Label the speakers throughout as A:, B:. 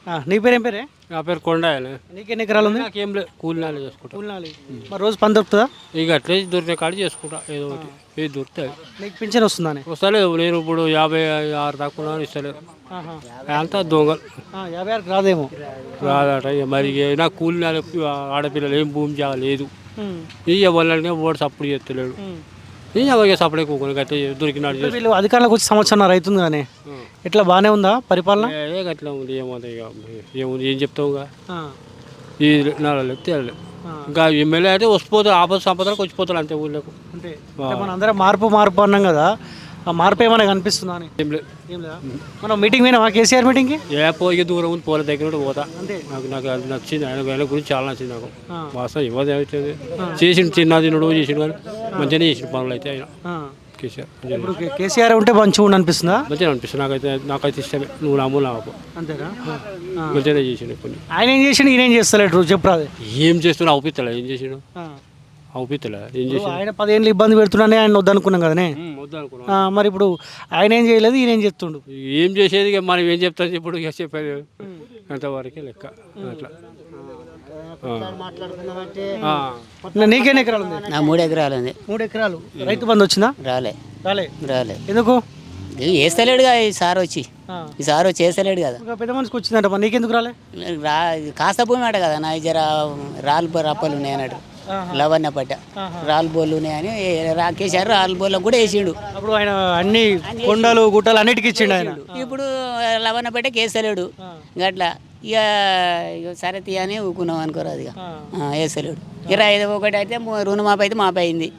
A: నీ పేరు ఏం పేరే?
B: నా పేరు కొండాయన.
A: నీకెన్ని ఎకరాలు ఉంది?
B: నాకేం లేదు, కూలినాలు చేసుకుంటా.
A: కూలినాలి. మరి రోజు పని దొరుకుతుందా?
B: ఇక అట్లే దొరికిన కాడ చేసుకుంటా, ఏదో ఒకటి ఏది దొరుకుతాయి.
A: నీకు పింఛన్ వస్తుందని?
B: వస్తలేదు, నేను ఇప్పుడు 56 దాకా ఉన్నాను, ఇస్తలేదు. అంతా దొంగలు.
A: 56 రాదేమో.
B: రాదట. ఇక మరి నాకు కూలినాలు ఆడపిల్లలు ఏం భూమి చేయలేదు. ఇక వాళ్ళని ఓటు సప్పుడు చేస్తలేడు. ఇక సప్పుడే కూకొని గట్టే దొరికినాడు.
A: వీళ్ళు అధికారులకు వచ్చి సంవత్సరం రైతుంది కానీ ఎట్లా బాగానే ఉందా పరిపాలన?
B: అట్లా ఉంది, ఏమవుతుంది ఇక ఏముంది, ఏం చెప్తావు. ఈ నాలుగు తేలలేదు. ఇంకా ఎమ్మెల్యే అయితే వస్తుపోతారు, ఆపద సంపదలకు వచ్చిపోతారు అంతే ఊళ్ళకు.
A: అంటే మన అందరం మార్పు అన్నాం కదా, ఆ మార్పు ఏమైనా కనిపిస్తుందా అని?
B: ఏం లేదు.
A: మనం మీటింగ్ పోయినా కేసీఆర్ మీటింగ్కి?
B: పోయి దూరం ఉంది, పోలే దగ్గర పోతా. నాకు అది నచ్చింది, ఆయన గురించి చాలా నచ్చింది నాకు. వాస్తవం ఇవ్వదు అవుతుంది. చేసిండు చిన్న తినడు చేసిండు కానీ మంచిగానే చేసిన పనులు అయితే ఆయన కేసీఆర్.
A: ఇప్పుడు కేసీఆర్ ఉంటే మంచిగా అనిపిస్తుందా?
B: మంచిగా అనిపిస్తుంది నాకైతే ఇష్టమే. నువ్వు నామూలు నాకు
A: అంతేనా?
B: మంచిగానే చేసిండు. కొన్ని
A: ఆయన ఏం చేసిండు, ఈయన ఏం చేస్తలేడు చెప్పరాదు.
B: ఏం చేస్తున్నా అవుపిస్తలే, ఏం చేసిండు అవుపిస్తలే, ఏం చేసి
A: ఆయన 10 ఏళ్ళు ఇబ్బంది పెడుతున్నానే ఆయన వద్దనుకున్నాం కదనే. మరి ఇప్పుడు ఆయన ఏం చేయలేదు, ఈయన ఏం చెప్తుండు?
B: ఏం చేసేది ఇక మనం ఏం చెప్తాను ఇప్పుడు, ఇక చెప్పేది అంతవరకే లెక్క. అట్లా
A: నీకెన్ని ఎకరాలు ఉంది?
C: నా 3 ఎకరాలు ఉంది.
A: 3 ఎకరాలు. రైతు బంధు వచ్చిందా?
C: రాలే.
A: ఎందుకు?
C: వేస్తలేడుగా ఈ సార్ వచ్చి వేస్తలేడు కదా.
A: పెద్ద మనిషికి వచ్చిందంట, నీకెందుకు రాలే?
C: కాస్త భూమి అట కదా నా జర రాళ్ళు రప్పలు ఉన్నాయి అన్నట్టు, లవణ్య పట్ట రాళ్ళు బోళ్ళు ఉన్నాయని కేసీఆర్ రాళ్ళు బోళ్ళకు కూడా వేసిండు.
A: అప్పుడు ఆయన అన్ని కొండలు గుట్టలు అన్నిటికీ ఇచ్చిండు ఆయన.
C: ఇప్పుడు లవణ్య పట్ట కేసలేడు గట్లా. ఇక సరే తీయని ఊకున్నాం అనుకోరాదు, ఇక వేస్తలేడు. ఇక రైతు ఒకటి అయితే రుణమాపి అయితే మాపయింది.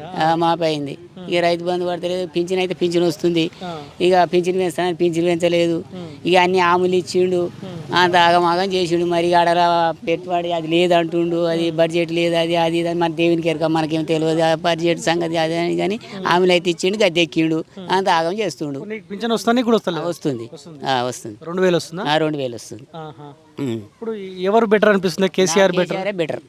C: ఇక రైతు బంధు పడతలేదు. పింఛన్ అయితే పింఛన్ వస్తుంది, ఇక పింఛన్ పెంచుతానని పింఛన్ పెంచలేదు. ఇక అన్ని ఆములు ఇచ్చిండు, అంత ఆగమాగం చేసిండు. మరి ఆడ పెట్టుబడి అది లేదంటుండు, అది బడ్జెట్ లేదు, అది అది ఇది మన దేవునికి ఎరక మనకేం తెలియదు బడ్జెట్ సంగతి అది అని. కానీ ఆమెలు అయితే ఇచ్చిండు, గద్దె ఎక్కిండు, అంత ఆగం చేస్తుండు.
A: పింఛన్ వస్తుంది,
C: వస్తుంది
A: 2000 వస్తుంది.
C: 2000 వస్తుంది.
A: ఇప్పుడు ఎవరు బెటర్ అనిపిస్తుంది? KCR
C: better.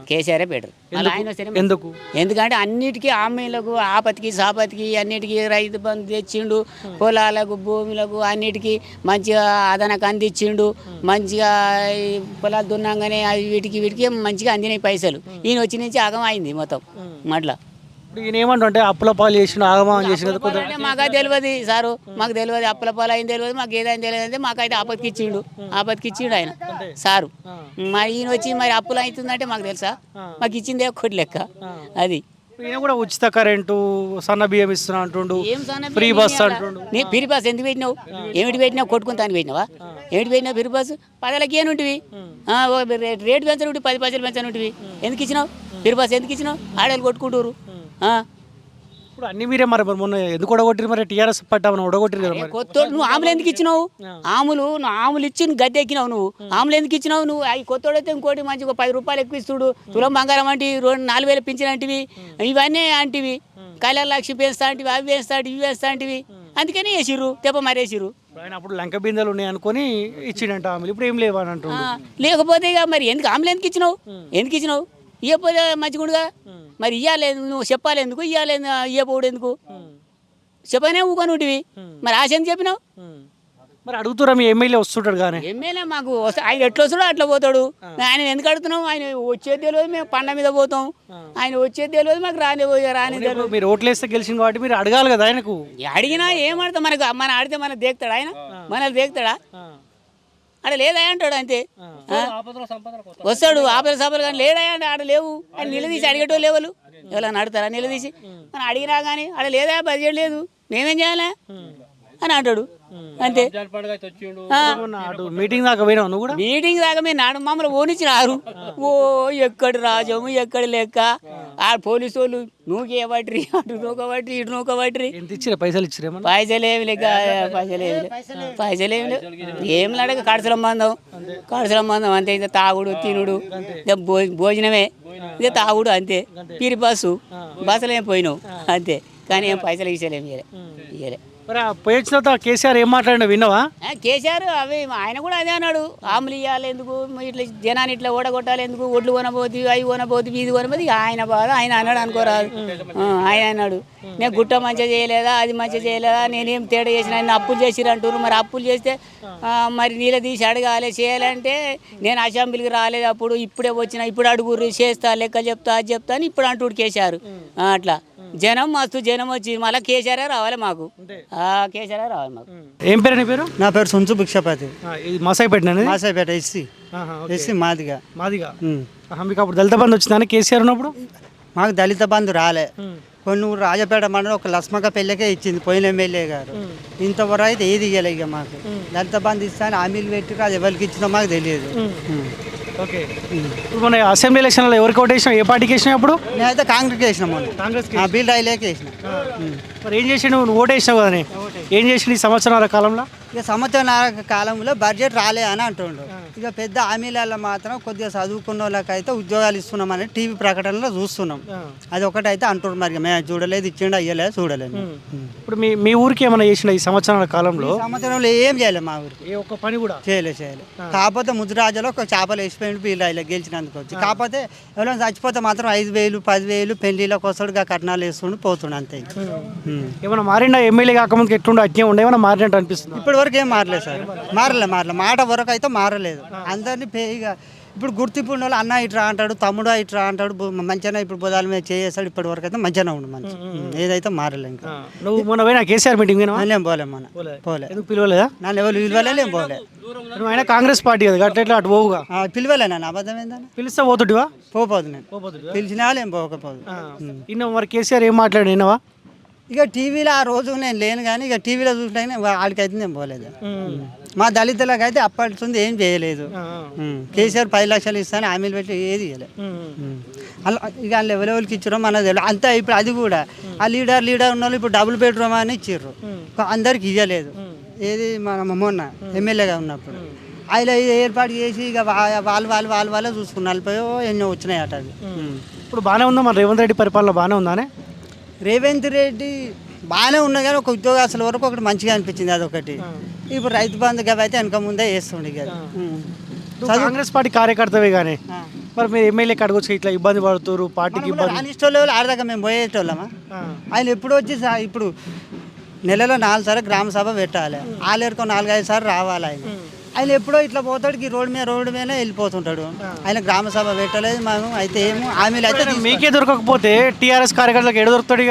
A: ఎందుకు?
C: ఎందుకంటే అన్నిటికీ హామీలకు ఆపతికి సాపతికి అన్నిటికీ రైతు బంధు తెచ్చిండు, పొలాలకు భూములకు అన్నిటికీ మంచిగా అదనకు అందించిండు. మంచిగా పొలాలు దున్నాగానే అవి వీటికి మంచిగా అందినాయి పైసలు. ఈయన వచ్చి నుంచి ఆగం అయింది మొత్తం. మట్లా
A: ఈయన ఏమంటే అప్పుల పాలు చేసిన ఆగమం చేసిన
C: మాకు తెలియదు సారు, మాకు తెలియదు అప్పుల పాలు అయింది తెలియదు, మాకు ఏదైనా తెలియదు. అంటే మాకైతే ఆపత్కి ఇచ్చిండు ఆయన సారు. మరి ఈయన వచ్చి మరి అప్పులు అవుతుందంటే మాకు తెలుసా? మాకు ఇచ్చిందే ఒక్కటి లెక్క. అది
A: ఈయన కూడా ఉచిత కరెంటు, సన్న బియ్యం ఇస్తున్నా అంటుండు, ఫ్రీ బస్ అంటుండు.
C: ఫ్రీ బస్ ఎందుకు పెట్టినావు? ఏమిటి పెట్టినావు? కొట్టుకుంటాను పెట్టినావా? ఏమిటి పెట్టినావు ఫ్రీ బస్? 10లకి ఏనుంటివి, రేటు పెంచనుంటివి, 10 పైసలు పెంచనుంటివి. ఎందుకు ఇచ్చినావు ఫ్రీ బస్? ఎందుకు ఇచ్చినావు? ఆడవాళ్ళు కొట్టుకుంటారు.
A: ఇప్పుడు అన్ని మీరే మరి మొన్న ఎందుకు ఒడగొట్టిరు? మరి టీఆర్ఎస్ పట్టామని ఒడగొట్టిరు కదా.
C: కొత్త నువ్వు ఆములు ఎందుకు ఇచ్చినావు? ఆములు ఇచ్చి గద్దె ఎక్కినావు. నువ్వు ఆములు ఎందుకు ఇచ్చినావు? నువ్వు అవి కొత్తోడైతే ఇంకోటి మంచిగా 10 రూపాయలు ఎక్కువ ఇస్తుడు, తులం బంగారం అంటే 4000 పింఛనంటివి, ఇవన్నీ అంటివి, కళ్యాణ లక్ష్మి పెంచుతా అంటివి, అవి వేస్తా ఇవి వేస్తా అంటివి. అందుకని వేసిర్రు, తెప్ప మరేసిర్రు.
A: ఆయన అప్పుడు లంక బిందెలు ఉన్నాయి అనుకుని ఇచ్చిండంట ఆమెలు, ఇప్పుడు ఏం లేవని అంటున్నాడు.
C: లేకపోతే ఇక మరి ఎందుకు ఆములు ఎందుకు ఇచ్చినావు? ఇవ్వకపోతే మంచిగుండుగా. మరి ఇవ్వలేదు, నువ్వు చెప్పాలి ఎందుకు? ఇవ్వపోడు ఎందుకు? చెప్పనే ఊకొనుంటివి. మరి ఆశ ఎందుకు చెప్పినావు?
A: మరి అడుగుతురా మీ ఎమ్మెల్యే వస్తుంటాడు కానీ.
C: ఎమ్మెల్యే మాకు ఆయన ఎట్లా వస్తాడో అట్లా పోతాడు. ఆయన ఎందుకు అడుగుతున్నావు? ఆయన వచ్చేది తెలియదు, మేము పండ మీద పోతాం. ఆయన వచ్చేది తెలియదు, మాకు రాని తెలియదు.
A: మీరు ఓట్లు వేస్తే గెలిచిన కాబట్టి మీరు అడగాలి కదా ఆయనకు.
C: అడిగినా ఏమడతా? మన ఆడితే మనకు దేక్తాడా ఆయన? మనల్ని దేక్తాడా? ఆడ లేదా అంటాడు అంతే. వస్తాడు ఆపద సభలు కానీ లేదా అంటే ఆడ లేవు. ఆయన నిలదీసి అడిగేటో లేవలు ఎవరైనా అడుగుతారా? నిలదీసి మనం అడిగినా కానీ ఆడ లేదా బడ్జెట్ లేదు, మేమేం చేయాలి అని అంటాడు అంతే.
A: మీటింగ్ దాకా పోయినావు నువ్వు కూడా?
C: మీటింగ్ దాకా మీరు నాడు మమ్మల్ని ఓనిచ్చినారు. ఓ ఎక్కడి రాజము ఎక్కడి లెక్క. ఆ పోలీసు వాళ్ళు నూకేవట్రి, అటు నూకవట్రి, ఇటు నూకవట్రి.
A: ఎంత ఇచ్చిరా? పైసలు ఇచ్చిరా?
C: పైసలేమి లేక పైసలేమి లేవు. ఏం అడగ కడసలం మందం అంతే. ఇక తాగుడు తినుడు, ఇక భోజనమే, ఇక తాగుడు అంతే. పిరి బస్సులో ఏం పోయినావు అంతే. కానీ ఏం పైసలు ఇచ్చేలేమి ఇయ్యలే.
A: మరి ఆ పోయి వచ్చిన తర్వాత కేసీఆర్ ఏం మాట్లాడినా విన్నావా?
C: కేసీఆర్ అవి ఆయన కూడా అదే అన్నాడు, ఆములు ఇవ్వాలి ఎందుకు, ఇట్లా జనాన్ని ఇట్లా ఓడగొట్టాలి ఎందుకు, ఒడ్లు కొనబోతు అవి కొనబోతు ఇది కొనబోతు, ఇక ఆయన బాధ ఆయన అన్నాడు అనుకోరాదు. ఆయన అన్నాడు నేను గుట్ట మంచిగా చేయలేదా, అది మంచిగా చేయలేదా, నేనేం తేడా చేసిన, ఆయన అప్పులు చేసిరంటారు, మరి అప్పులు చేస్తే మరి నీళ్ళ తీసి అడగాలి చేయాలంటే నేను అసెంబ్లీకి రాలేదు అప్పుడు, ఇప్పుడే వచ్చిన, ఇప్పుడు అడుగురు చేస్తా లెక్క చెప్తా అది చెప్తా అని ఇప్పుడు అంటూ కేసీఆర్. అట్లా జనం మస్తు జనం వచ్చి మళ్ళీ కేసీఆర్ రావాలి మాకు, కేసీఆర్ రావాలి మాకు.
A: ఏం పేరు నీ పేరు?
D: నా పేరు సుంచు భిక్షపతి,
A: మసాయిపేట.
D: మాసాయిపేట ఎస్సీ మాదిగా.
A: మీకు అప్పుడు దళిత బంధు వచ్చిందని కేసీఆర్ ఉన్నప్పుడు?
D: మాకు దళిత బంధు రాలే. కొన్ని ఊరు రాజపేట మండలం ఒక లస్మక పెళ్ళకే ఇచ్చింది పోయిన ఎమ్మెల్యే గారు. ఇంతవరకు అయితే ఏది ఇవ్వలే. ఇక మాకు దళిత బంధు ఇస్తాను హామీలు పెట్టి అది ఎవరికి ఇచ్చిందో మాకు తెలియదు.
A: ఓకే, ఇప్పుడు మన అసెంబ్లీ ఎలక్షన్లో ఎవరికి ఓటు వేసినా, ఏ పార్టీకి వేసినా? అప్పుడు
D: నేనైతే కాంగ్రెస్కి వేసిన, మొన్న
A: కాంగ్రెస్
D: బిల్ రైలేకి వేసిన.
A: మరి ఏం చేసి నువ్వు ఓటు వేసినావు కదా, ఏం చేసి ఈ సంవత్సరాల కాలంలో?
D: ఇక సంవత్సరం కాలంలో బడ్జెట్ రాలే అని అంటుండ్రు. ఇక పెద్ద హామీలలో మాత్రం కొద్దిగా చదువుకున్న వాళ్ళకైతే ఉద్యోగాలు ఇస్తున్నామని టీవీ ప్రకటనలో చూస్తున్నాం. అది ఒకటైతే అంటున్నారు. మరి మేము చూడలేదు, ఇచ్చిండు అయ్యలేదు, చూడలేదు.
A: ఇప్పుడు మీ ఊరికి ఏమైనా చేసిన ఈ సంవత్సరాల కాలంలో?
D: సంవత్సరంలో ఏం చేయలేదు మా ఊరికి,
A: ఏ ఒక్క పని కూడా
D: చేయలేదు. కాకపోతే ముద్రాజలో ఒక చేపలు వేసిపోయింది వీళ్ళు ఇలా గెలిచినందుకు వచ్చి. కాకపోతే ఎవరైనా చచ్చిపోతే మాత్రం 5,000 10,000 పెళ్లిళ్ళకి వస్తాడు, కట్నాలు వేస్తుండు పోతుండు అంతే.
A: ఏమైనా మారిండా? ఎమ్మెల్యే కాకముందుకు ఎట్లుండే అజ్ఞం ఉండే, ఏమైనా మారినట్టు అనిపిస్తుంది?
D: ఇప్పటి వరకు ఏం మారలేదు సార్, మారలే మాట వరకు అయితే మారలేదు. అందరినీ ఇక ఇప్పుడు గుర్తింపు ఉన్న వాళ్ళు అన్న ఇట్రా అంటాడు, తమ్ముడు ఇట్రా అంటాడు, మంచిగా ఇప్పుడు బుధాల మీద చేస్తాడు. ఇప్పటి వరకు అయితే మంచిగానే ఉండు, మంచి ఏదైతే మారలే. ఇంకా
A: నువ్వు మొన్న పోయినా కేసీఆర్ మీటింగ్
D: నేను పోలే, మన పోలే.
A: ఎందుకు పిలవలేదా?
D: నన్ను ఎవరు పిలవలే, నేను పోలే.
A: నువ్వు అయినా కాంగ్రెస్ పార్టీ కదా, అట్లా అటు పోవుగా.
D: పిలవలే, నన్ను అబద్ధం ఏందని
A: పిలిస్తే పోతుడివా?
D: పోదు, నేను పిలిచినా ఏం పోకపోదు.
A: ఇన్న మరి కేసీఆర్ ఏం మాట్లాడి విన్నావా?
D: ఇక టీవీలో ఆ రోజు నేను లేను, కానీ ఇక టీవీలో చూసినా వాళ్ళకైతే నేను పోలేదు. మా దళితులకు అయితే అప్పటి ఏం చేయలేదు. కేసీఆర్ 10 లక్షలు ఇస్తాను హామీలు పెట్టి ఏది ఇవ్వలేదు. అలా ఇక ఎవరెవరికి ఇచ్చారో మనది తెలియదు అంతే. ఇప్పుడు అది కూడా ఆ లీడర్ ఉన్న వాళ్ళు ఇప్పుడు డబుల్ బెడ్రూమ్ అని ఇచ్చారు, అందరికి ఇవ్వలేదు. ఏది మన మొన్న ఎమ్మెల్యేగా ఉన్నప్పుడు ఆయన ఏర్పాటు చేసి ఇక వాళ్ళే చూసుకుని 40 ఎన్నో వచ్చినాయి అట. అది
A: ఇప్పుడు బాగానే ఉందా మరి? రేవంత్ రెడ్డి పరిపాలన బాగానే ఉందానే?
D: రేవంత్ రెడ్డి బాగానే ఉన్నా కానీ ఒక ఉద్యోగస్తుల వరకు ఒకటి మంచిగా అనిపించింది, అదొకటి. ఇప్పుడు రైతు బంధు అయితే వెనక ముందే వేస్తుండే కదా.
A: కాంగ్రెస్ పార్టీ కార్యకర్తవే కానీ మరి మీరు ఎమ్మెల్యే కడగొచ్చు, ఇట్లా ఇబ్బంది పడుతున్నారు, పార్టీకి ఇబ్బంది.
D: రానిష్టోళ్ళు ఆడదాకా మేము పోయేటోళ్ళమా? ఆయన ఎప్పుడు వచ్చి ఇప్పుడు నెలలో 4 సార్లు గ్రామ సభ పెట్టాలి, ఆలేరుకో 4-5 సార్లు రావాలి. ఆయన ఎప్పుడో ఇట్లా పోతాడు, రోడ్డు మీద వెళ్ళిపోతుంటాడు. ఆయన గ్రామ సభ పెట్టలేదు మనం. అయితే ఏమో హామీలు అయితే
A: మీకే దొరకకపోతే టీఆర్ఎస్ కార్యకర్తలకు ఎడ దొరుకుతాడు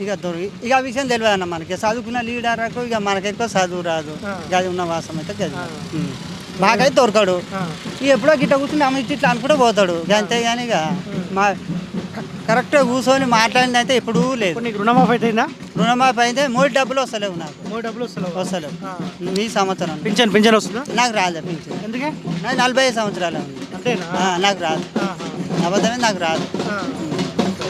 D: ఇక ఆ విషయం తెలియదు అన్న మనకి. చదువుకున్న లీడర్కు ఇక మనకి ఎక్కువ చదువు రాదు, గది ఉన్న వాసం అయితే గది మాకైతే దొరకడు. ఇక ఎప్పుడో గిట్ట కూర్చుని అమ్మ ఇట్లా అనుకుంటే పోతాడు అంతేగాని ఇక మా కరెక్ట్గా కూర్చొని మాట్లాడింది అయితే ఎప్పుడూ లేదు.
A: రుణమాఫీ అయితే
D: రుణమాఫీ అయితే 3 డబ్బులు వస్తలేవు నాకు,
A: 3 డబ్బులు
D: వస్తలేవు. ఈ సంవత్సరం
A: పింఛన్ వస్తుందా?
D: నాకు రాదు పింఛన్.
A: ఎందుకే?
D: నాకు 45 సంవత్సరాలు ఉంది,
A: అంతేనా?
D: నాకు రాదు, అబద్ధమే నాకు రాదు.